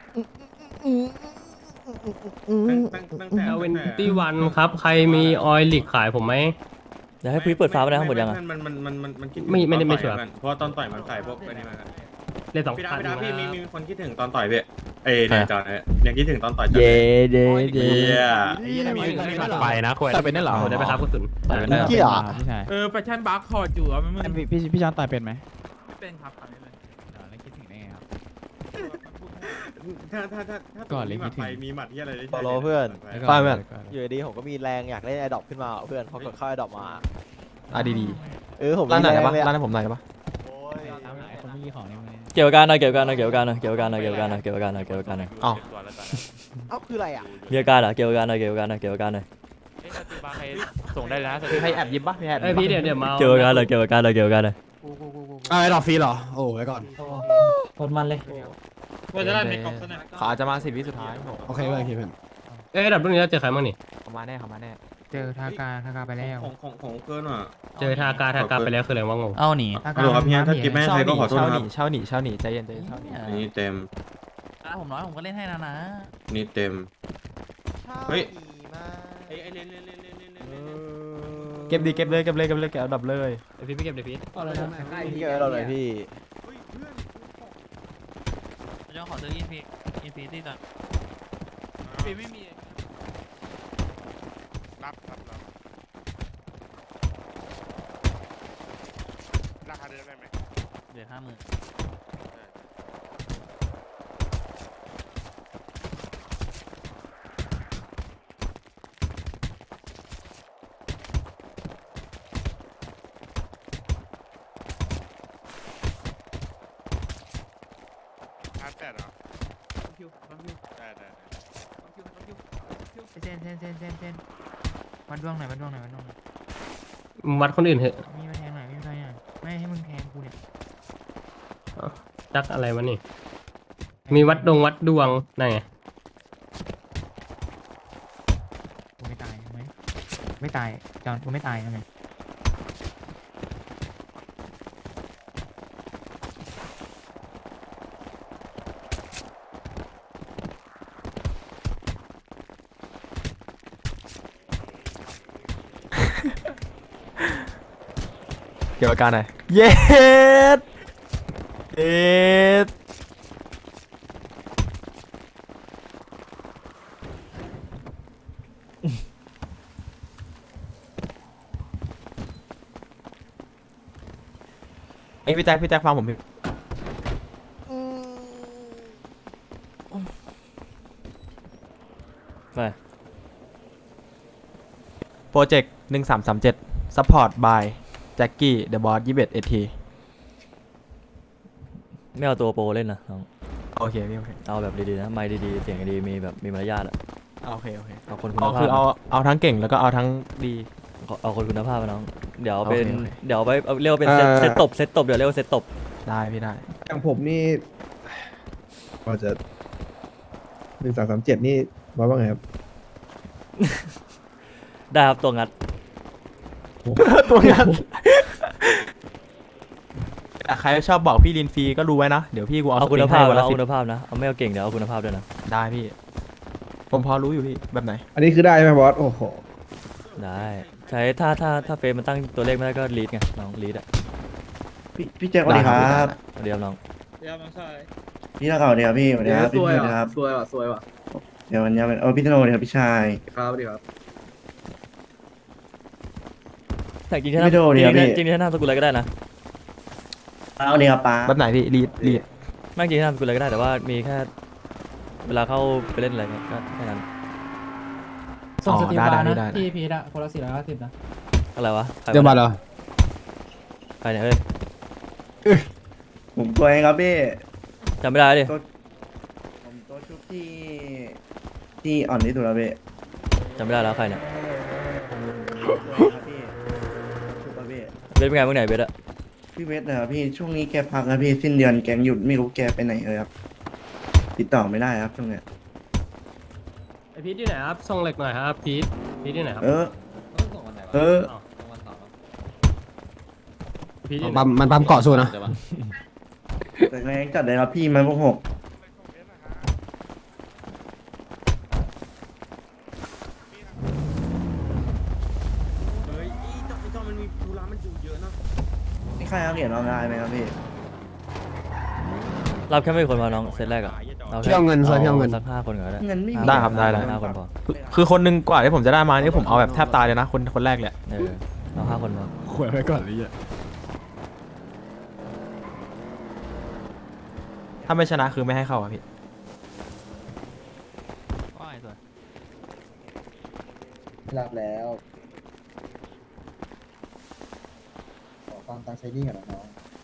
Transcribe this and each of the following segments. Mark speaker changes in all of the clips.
Speaker 1: ตั้งแต่21ครับใครมีออยล์ลิกขายผมไหม
Speaker 2: เดี๋ยวให้พี่เปิดฟ้าไปได้ทั้งหมดยังอ่ะ
Speaker 1: มันคิดถึงไม่ได้ไม่ชัวร์
Speaker 3: เพราะว่าตอนต่อยมันใส่พวกไปนี่มา
Speaker 1: เล่นสอง
Speaker 3: พี่ดา
Speaker 1: พัน
Speaker 3: พี่ดาพี่มีคนคิดถึงตอนต่อยพี่เอ้ยเนี่ยจอเนี่ยยังคิดถึงตอนต่อยจอ
Speaker 2: เย่
Speaker 3: เลย
Speaker 2: เย่เย่
Speaker 3: เฮีย
Speaker 4: ไปนะควร
Speaker 5: ต่อยเป็นได้เหรอ
Speaker 1: ได้ไหมครับกระสุน
Speaker 5: ต่อยเป็นได้เหรอ
Speaker 6: เกี่ยว
Speaker 5: พี่ชาย
Speaker 4: แฟชั่นบาร์คอร์ดอยู่อ่ะมัน
Speaker 5: พี่จอนต่อยเป็นไหม
Speaker 4: ไม่เป็นครับตอนนี้เลย
Speaker 5: แล้วคิดถึงได้ไงครับ
Speaker 3: ถ้า
Speaker 5: ก่อนเลย
Speaker 3: มีหมัด
Speaker 5: คิดถึง
Speaker 3: ไปมีหมัดที่อะไรได้
Speaker 6: ต่อรอเพื่อน
Speaker 5: ไปเพื่อน
Speaker 6: อยู่ดีๆผมก็มีแรงอยากเล่นไอดอปขึ้นมาเพื่อนพอกดเข้าไอดอปมา
Speaker 5: ดี
Speaker 6: ผม
Speaker 5: ร้านไหน
Speaker 6: มีแรง
Speaker 5: ปะ
Speaker 6: เลย
Speaker 5: ร้านไหนผมไหนปะ
Speaker 6: โอ้ย
Speaker 5: ตามหาคนที่มีของในมือ
Speaker 2: เกี่ยวกับการหน่อยเกี่ยวกับการหน่อยเกี่ยวกับการหน่อยเกี่ยวกับการหน่อยเกี่ยวกับการหน่อยเกี่ยวกับการหน่อยเกี่ยวกับการหน่อย
Speaker 5: อ๋อ
Speaker 6: เอ้าคืออะไรอ่ะ
Speaker 2: มีอาการเหรอเกี่ยวกับการหน่อยเกี่ยวกับการหน่อยเกี่ยวกับการหน่อย
Speaker 4: ส่งได้แล้ว
Speaker 5: มีใครแอบยิบปะมีแอบ
Speaker 1: เอ้ยพี่เดี๋ยวมา
Speaker 2: เกี่ยวกับการหน่อยเกี่ยวกับการหน่อยเกี่ยวกับการหน่อย
Speaker 7: ไอ้ดอกฟรีเหรอ โอ้ไว้ก่อน
Speaker 2: โคตรมันเลย
Speaker 5: ว่าจะได้มีกล่องเขาอาจจะมา10 วิสุดท้าย
Speaker 7: โอเคเพื่อนโอเคเพื่อน
Speaker 1: เอ้ยดับรุ่นนี้เราเจอใครบ้างนี่
Speaker 5: เขามาแน่เขามาแน่
Speaker 8: เจอทากาไปแล้ว
Speaker 3: ของเกินอ่ะ
Speaker 1: เจอทากาไปแล้วคืออะไรวะงง
Speaker 2: เอาหนี
Speaker 8: ทากา
Speaker 3: ฮัลโหลครับพี่ถ้ากินไม่ให้ใครก็ขอโทษนะครับ
Speaker 5: เช่าหนีใจเย็นใจเย็นเช่าหนี
Speaker 3: อันนี้เต็ม
Speaker 2: ผมน้อยผมก็เล่นให้นะนะ
Speaker 3: นี่เต็ม เฮ้ย
Speaker 6: ดีมาก
Speaker 3: ไอ้เล่น
Speaker 5: เก็บดีเก็บเลยเก็บเอาดับเลย
Speaker 1: เดี๋ยวพี่เก็บเดี๋ยวพี่
Speaker 6: พี่เกิดเราหน่อยพี่
Speaker 2: เจ้าขอซื้ออินฟินิตี้ก่อน
Speaker 4: ปีไม่มี
Speaker 9: รับราคาเดิมได้ไหม
Speaker 2: เดือน50,000
Speaker 9: 1,800เหรอได้
Speaker 8: เซนวัดดวงหน่อย
Speaker 1: วัดคนอื่นเถอะ
Speaker 8: มีมาแทงหน่อยไม่ให้มึงแทงกูเนี่ย
Speaker 1: จักอะไรวะนี่มีวัดดวงนั่นไง
Speaker 8: กูไม่ตายไหมไม่ตายจอนกูไม่ตายยังไง
Speaker 5: เกี่ยวกับการหน่อยเย็ดไอพี่แจ็คฟังผมพี่
Speaker 2: ไป
Speaker 5: โปรเจกต์1337 Support by แจ็คกี้ The Boss 21 AT
Speaker 2: ไม่เอาตัวโปรเล่นนะน้อง
Speaker 5: โอเคพี่โอเค
Speaker 2: เอาแบบดีๆนะไมค์ดีๆเสียงดีมีแบบมีมารยาทอ่ะ
Speaker 5: โอเค
Speaker 2: เอาคนคุณ
Speaker 5: เอา
Speaker 2: ภา
Speaker 5: คื
Speaker 2: พ
Speaker 5: อเอาทั้งเก่งแล้วก็เอาทั้งดี
Speaker 2: เอาคนคุณภาพมาน้องเดี๋ยวเป็น
Speaker 5: โอเค
Speaker 2: เดี๋ยวไปเรียกว่าเป็นเซตตบเดี๋ยวเรียกว่าเซตตบ
Speaker 5: ได้พี่ได้
Speaker 7: อย่างผมนี่พอจะ1337นี่ว่าไงครับ
Speaker 2: ได้ครับตัวงัด
Speaker 5: ตัวงานใครชอบบอกพี่ลินฟรีก็รู้ไว้นะ เดี๋ยวพี่กูเอา
Speaker 2: เอา
Speaker 5: สป
Speaker 2: คุ
Speaker 5: ริ
Speaker 2: ณ
Speaker 5: ง
Speaker 2: ภา
Speaker 5: ให้
Speaker 2: พ
Speaker 5: วัน
Speaker 2: นะ
Speaker 5: ละ
Speaker 2: เอา
Speaker 5: 10
Speaker 2: คุณภาพนะเอาไม่เอาเก่งเดี๋ยวเอาคุณภาพด้วยนะ
Speaker 5: ได้พี่ ผมพอรู้อยู่พี่แบบไหน
Speaker 7: อันนี้คือได้ไหมบอส โอ้โห
Speaker 2: ได้ใช้ถ้าเฟซมันตั้งตัวเลขไม่ได้ก็ลีดไงน้องลีดอ่ะ
Speaker 6: พี่แจ็คสวัสดีครับ
Speaker 2: เดียวน้อง
Speaker 6: พี่นักข่าวเนี่ยพี่สวัสดีครับพี่พี่นะครับสวยว่ะเดี๋ยววันนี้เป็นพี่ธโนเนี่ยครับพี่ชาย
Speaker 2: แต่จริงๆถ้า
Speaker 6: ไม่โดนเนี่ยพี่
Speaker 2: จริงๆถ้าหน้าสกุลอะไรก็ได้นะ
Speaker 6: เอาเนี่ยครับป้า
Speaker 5: แบบไหนพี่ลีด
Speaker 2: ไม่จริงๆถ้าหน้าสกุลอะไรก็ได้แต่ว่ามีแค่เวลาเข้าไปเล่นอะไรเงี้ยก็แค่นั้น
Speaker 5: ส่งสตรีมมานะ
Speaker 8: พี่พีทอะคนละ450นะ
Speaker 2: อะไรวะใครวะ
Speaker 7: เดี๋ยวมาเหรอ
Speaker 2: ใครเนี่ยเฮ้ย
Speaker 6: ผมตัวเองครับพี่
Speaker 2: จำไม่ได้ดิ
Speaker 6: ผมตัวชุบที่อ่อนที่สุดแล้วพี่
Speaker 2: จำไม่ได้แล้วใครเนี่ย
Speaker 6: ครับพี่ชุบครับพี่
Speaker 2: เบสเป็นไงเมื่อไหร่เบสอะ
Speaker 6: พี่เวทนะครับพี่ช่วงนี้แกพักนะพี่สิ้นเดือนแกงหยุดไม่รู้แกไปไหนเลยครับ ติดต่อไม่ได้ครับช่วงเนี้ย
Speaker 1: ไอพีทที่ไหนครับส่งเหล็กหน่อยครับพีทที่ไหนครับ
Speaker 6: เออ
Speaker 1: พีทที่ไหน
Speaker 7: มันปั๊มเกาะสู้นะ
Speaker 6: แต่แรงจัดเลยครับพี่มันพวก6 ใครเอาเหรียญออนไลน์ไหมครับพี่
Speaker 2: รับแค่ไม่กี่คนพอน้องเซตแรกอะแค่
Speaker 7: พี่เอาเงินซอยพี่เอาเงิน
Speaker 2: สัก5 คนก่อนก็ได้
Speaker 6: เงินไม่มี
Speaker 5: ได้ครับได้
Speaker 2: 5 คนพอ
Speaker 5: คือคนหนึงกว่าที่ผมจะได้มานี่ผมเอาแบบแทบตายเลยนะคนแรกเลย
Speaker 2: เอา5 คนพอ
Speaker 5: ขวยไว้ก่อนเลยถ้าไม่ชนะคือไม่ให้เข้าอ่ะพี่
Speaker 8: รับแล้วขอฟังตังใช้นี่ก่อนนะน้อง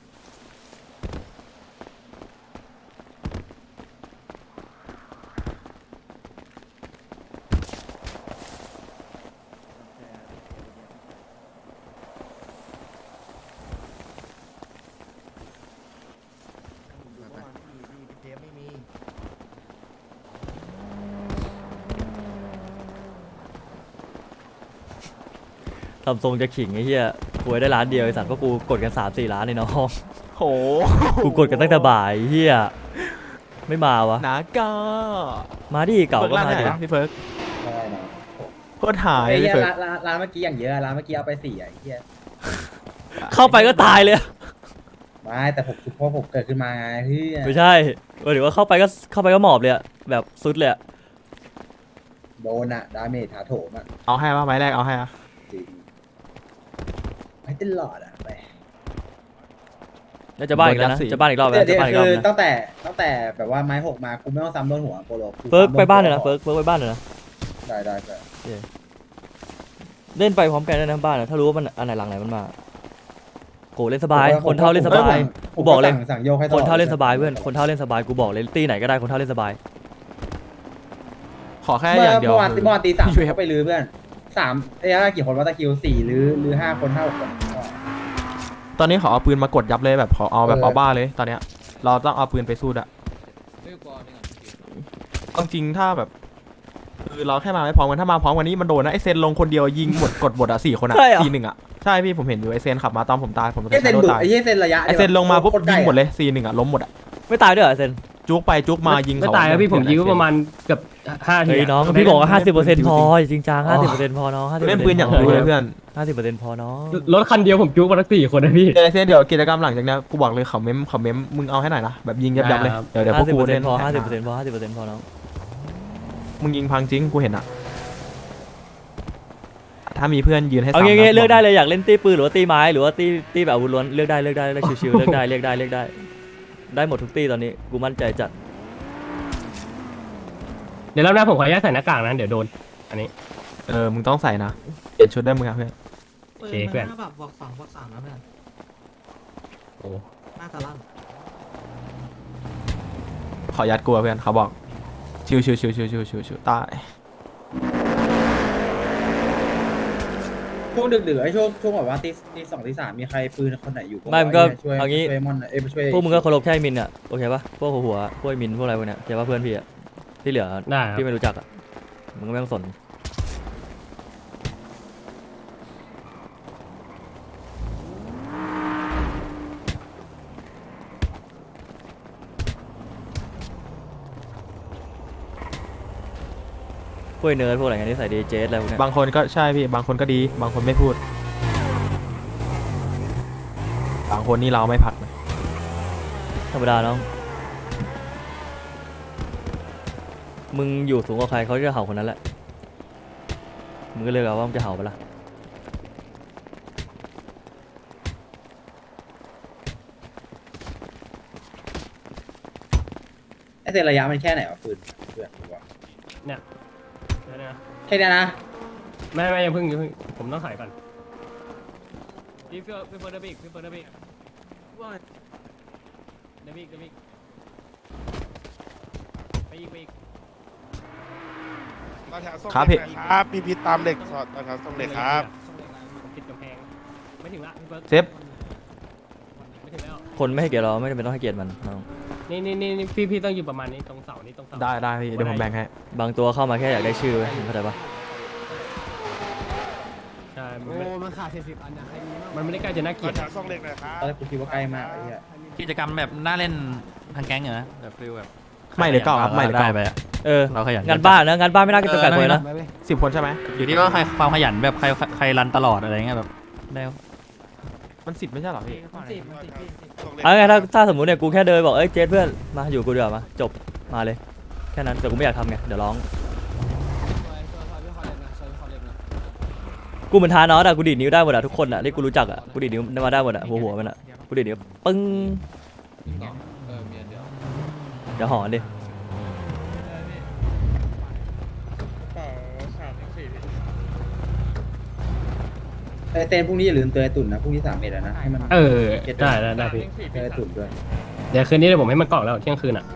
Speaker 2: ทำทรงจะขิงไอ้เหี้ยกูได้ล้านเดียวไอ้สัตว์เพราะกูกดกัน3-4 ล้านเลยน้อง
Speaker 5: โห
Speaker 2: กูกดกันตั้งแต่บ่ายไอ้เหี้ยไม่มาวะ
Speaker 5: นาก็
Speaker 2: มาดิเก่า
Speaker 5: เฟิร์ก
Speaker 2: ก็
Speaker 5: ร้าน
Speaker 2: มา
Speaker 5: ไหน
Speaker 2: ดิ
Speaker 5: นะพี่เฟิร์ก
Speaker 8: ได้นะ
Speaker 5: โคตรหาย
Speaker 8: ไอ้
Speaker 5: พี่
Speaker 8: เหี้ย
Speaker 5: เฟิร์ก
Speaker 8: ร้านเมื่อกี้อย่างเยอะร้านเมื่อกี้เอาไป4อ่ะไอ้เหี้ย
Speaker 2: เข้าไปก็ตายเลย
Speaker 8: ไม่แต่ผมคือพอผมเกิดขึ้นมาไงพี่
Speaker 2: ไม่ใช่หรือว่าเข้าไปก็หมอบเลยอะแบบสุดเลยอะ
Speaker 8: โดนอะดาเมจถาโถมอะ
Speaker 5: เอาให้ป่ะไม้แรกเอาให้อ่ะ
Speaker 8: จริงไม่ตลอดอะไป
Speaker 2: แล้วจะบ้านอีกแล้วนะจะบ้านอีกรอบแล้ว
Speaker 8: เดี๋
Speaker 2: จะ
Speaker 8: ยว
Speaker 2: บ้านอีกรอบ
Speaker 8: คือ
Speaker 2: นะ
Speaker 8: ตั้งแต่แบบว่าไม้6มากูไม่ต้องซ้ำโดนหัวโปโล
Speaker 2: เฟิร์กไปบ้านเลยนะเฟิร์กไปบ้านเลยนะ
Speaker 8: ได้ได้
Speaker 2: เล่นไปพร้อมกันได้นะบ้านนะถ้ารู้ว่ามันอันไหนหลังไหนมันมาโกเล่นสบายคนเท่าเล่นสบายกูบอกเลย
Speaker 8: สั่งโยกให้ตล
Speaker 2: ค
Speaker 8: อด
Speaker 2: นเท่าเล่นสบายเพื่อนคนเท่าเล่นสบายกูบอกเลยตีไหนก็ได้คนเท่าเล่นสบาย
Speaker 5: ขอแค่
Speaker 8: เมื่
Speaker 5: อย่างเดียว
Speaker 8: อวาน
Speaker 5: คือ
Speaker 8: เมื่อวานตี 3
Speaker 5: ช่วย
Speaker 8: เขาไปลื้อเพื่อน3ไอ้กี่คนว่าตะคิว4หรือ5 คนเท่าคน
Speaker 5: ตอนนี้ขอเอาปืนมากดยับเลยแบบขอเอาแบบเอาบ้าเลยตอนเนี้ยเราต้องเอาปืนไปสู้อะเอาจริงถ้าแบบคือเราแค่มาไม่พร้อมกันถ้ามาพร้อมกันนี้มันโดนนะไอเซนลงคนเดียวยิงหมดกดหมดอะ4 คนอะ4-1อะใช่พี่ผมเห็นอยู่ไอเซนขับมาตอนผมตายผม
Speaker 8: ไอ้เซน
Speaker 5: โดน
Speaker 8: ดุ
Speaker 5: ตาย
Speaker 8: ไอ้เซนระยะ
Speaker 5: ไอเซนลงมาปุ๊บยิงหมดเลย4-1อะล้มหมดอะ
Speaker 2: ไม่ตายด้วยเหรอเซน
Speaker 5: จุกไปจุกมายิง
Speaker 1: ไม่
Speaker 5: เขา
Speaker 1: ตายครับพี่ผมยิงก็ประมาณเกือบ5 ที
Speaker 2: เฮ้ยน้องพี่บอกว่า50%พอจริงจัง50%พอน้อง50%
Speaker 5: เล่นปืนอย่างรู้เลยเพื่อน
Speaker 2: 50%พอน้อง
Speaker 1: รถคันเดียวผมจุกมาทั้ง4 คนนะพี่
Speaker 5: ไอเซนเดี๋ยวกิจกรรมหลังจากเนี้ยกูบอกเลยเขาเม้มมึงเอาให้หน่อยนะแบบยิงยับเลยเดี๋ยวพวกกูเล่น
Speaker 2: 50%พอ50%พอ50%พอน้อง
Speaker 5: มึงยิงพังจริงกูเห็นอะถ้ามีเพื่อนยืนให้
Speaker 2: เอา
Speaker 5: ซ้ำ
Speaker 2: งี้
Speaker 5: นะ
Speaker 2: เลือกได้เลยอยากเล่นตีปืนหรือว่าตีไม้หรือว่าตีแบบอาวุธล้วนเลือกได้เลือกชิวๆเลือกได้ได้หมดทุกตีตอนนี้กูมั่นใจจัด
Speaker 1: เดี๋ยวรอบหน้าผมขออนุญาตใส่หน้ากากนะเดี๋ยวโดนอันนี้
Speaker 5: มึงต้องใส่นะเปลี่ยนชุดได้มึงอะเพื่อน
Speaker 1: โอเคเพื่อน
Speaker 8: แบบบอก2บอก3นะเพื่อน
Speaker 1: โอ้
Speaker 8: หน้าตาลั่น
Speaker 5: ขอยัดกลัวเพื่อนเขาบอกชิวตาย
Speaker 8: ช่วงดึกๆไอ้ช่วงแบบว่าตี 2 ตี 3มีใครปืนคนไหนอยู่
Speaker 2: ไม่มันก็
Speaker 8: ช่วย
Speaker 2: เอางี้
Speaker 8: ช่วยมอนไปช่วย
Speaker 2: พวกมึงก็เคารพแค่มินอ่ะโอเคปะพวกหัวพวกมินพวกอะไรพวกเนี้ยเดี๋ยวว่าเพื่อนพี่อ่ะที่เหลือ
Speaker 1: ได้ครับ
Speaker 2: พี่ไม่รู้จักอ่ะมึงก็ไม่ต้องสนพวกเนิร์ดพวกอะไรเงี้ยที่ใส่ดีเจสอะไรพวกเนี้ย
Speaker 5: บางคนก็ใช่พี่บางคนก็ดีบางคนไม่พูดบางคนนี่เราไม่ผัดนะ
Speaker 2: ธรรมดาน้องมึงอยู่สูงกว่าใครเขาจะเห่าคนนั้นแหละมึงก็เลยเอาว่ามึงจะเห่าไปะละ
Speaker 8: ไอ้เซนระยะมันแค่ไหนวะปืนเพื่อนดูว่า
Speaker 1: เนี่ยเดี๋ยวนะ
Speaker 8: แค่เนี้ยนะ
Speaker 1: ไม่ยังเพิ่งผมต้องถ่ายก่อนพี่เฟิร์สเดบิกเดบิกไปอีก
Speaker 9: ตอนแถวส่ง
Speaker 5: ครับ
Speaker 9: เหล็
Speaker 5: พี่
Speaker 9: กหน่อยครับพี่พิษตามเหล็กสอดตอนแถวส่งเหล็กครับ
Speaker 1: ผมติดกำแพงไม่ถึงละพี่เฟิร์ส
Speaker 5: เซฟ
Speaker 1: ไม่ถึงแล้ว
Speaker 2: คนไม่ให้เกียรติเราไม่จำเป็นต้องให้เกียรติมันน้อง
Speaker 1: นี่พี่ต้องอยู่ประมาณนี้ตรงเสานี้ตรงเสา
Speaker 5: ได้พี่เดี๋ยวผมแบ่งให้
Speaker 2: บางตัวเข้ามาแค่อยากได้ชื่อเว้ยมึงเข้าใจปะ
Speaker 1: ใช่มันขาด40 อันนะมันไม่ได้ใกล้จะน่าเก
Speaker 9: ต
Speaker 1: ลี
Speaker 9: อย น
Speaker 1: ด
Speaker 9: แถวส่งเหล็กหน่อยครับ
Speaker 8: ตอนแรกกูคิดว่าใกล้มากไอ้เหี้ย
Speaker 10: กิจกรรมแบบน่าเล่นทางแก๊งเหรอแบบฟิลแบบ
Speaker 5: ไม่หรือเก้าครับไม่หรือ
Speaker 10: ได้
Speaker 5: เก้า
Speaker 10: ไปอะ
Speaker 2: เออ
Speaker 10: เราขยัน
Speaker 2: งานบ้านนะงานบ้านไม่น่าจะจำกัดคนเลยนะ
Speaker 5: 10 คนใช่ไหม
Speaker 10: อยู่ที่ว่าใครความขยันแบบใครรันตลอดอะไรเงี้ยแบบได้
Speaker 5: มัน10ไม่ใช่เหรอพี่
Speaker 9: ส่งเลข
Speaker 2: เอาไงถ้าสมมติเนี่ยกูแค่เดินบอกเอ้ยเจสเพื่อนมาอยู่กูเดี๋ยวามาจบมาเลยแค่นั้นแต่กูไม่อยากทำไงเดี๋ยวร้องกูเหมือนทานอสอะกูดีดนิ้วได้หมดอะทุกคนอะที่กูรู้จักอะกูดีดนิ้วมาได้หมดอะหัวมันอะกูดีดนิ้วปึ้งเดี๋ยวหอนดิ
Speaker 8: เต้นพรุ่งนี้อย่าลืมเตือนตุ่นนะพรุ่งนี้3 เมตรแล้วนะให้มัน
Speaker 1: ได้พี่
Speaker 8: เตือนตุ่นด้วย
Speaker 1: เดี๋ยวคืนนี้เดี๋ยวผมให้มันกล่องแล้วเที่ยงคืนอ่ะ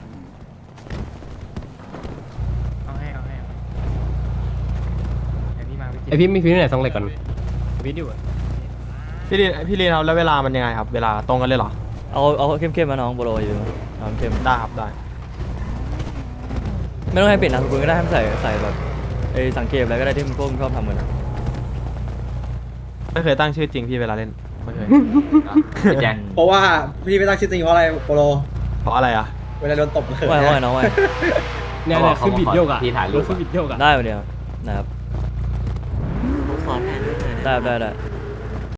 Speaker 8: เอาให้เดี๋ยวพี่มา
Speaker 1: ไอพี่มีพี่ที่ไหนส่งเหล็กก่อนวิดีโอ
Speaker 5: พี่ลีนครับแล้วเวลามันยังไงครับเวลาตรงกันเลยเหรอ
Speaker 2: เอาเข้มๆมาน้องโบโลอยู่เอาเข้ม
Speaker 5: ได้ครับได้
Speaker 2: ไม่ต้องให้เปลี่ยนนามสกุลก็ได้ให้มันใส่แบบไอ้สังเกตอะไรก็ได้ที่มันพวกมึงชอบทำกันอะ
Speaker 5: ไม่เคยตั้งชื่อจริงพี่เวลาเล่นไม่เคย
Speaker 2: แจ็ค
Speaker 8: เพราะว่าพี่ไม่ตั้งชื่อจริงเพราะอะไรโปโล
Speaker 5: เพราะอะไรอ่ะ
Speaker 8: เวลาโดนตบเขิน
Speaker 2: ว่าไงน้องว่าไง
Speaker 1: เนี่ยคือบิดโยกอ่ะคือบิดโยกอ่ะ
Speaker 2: ได้มาเดียวนะครับได้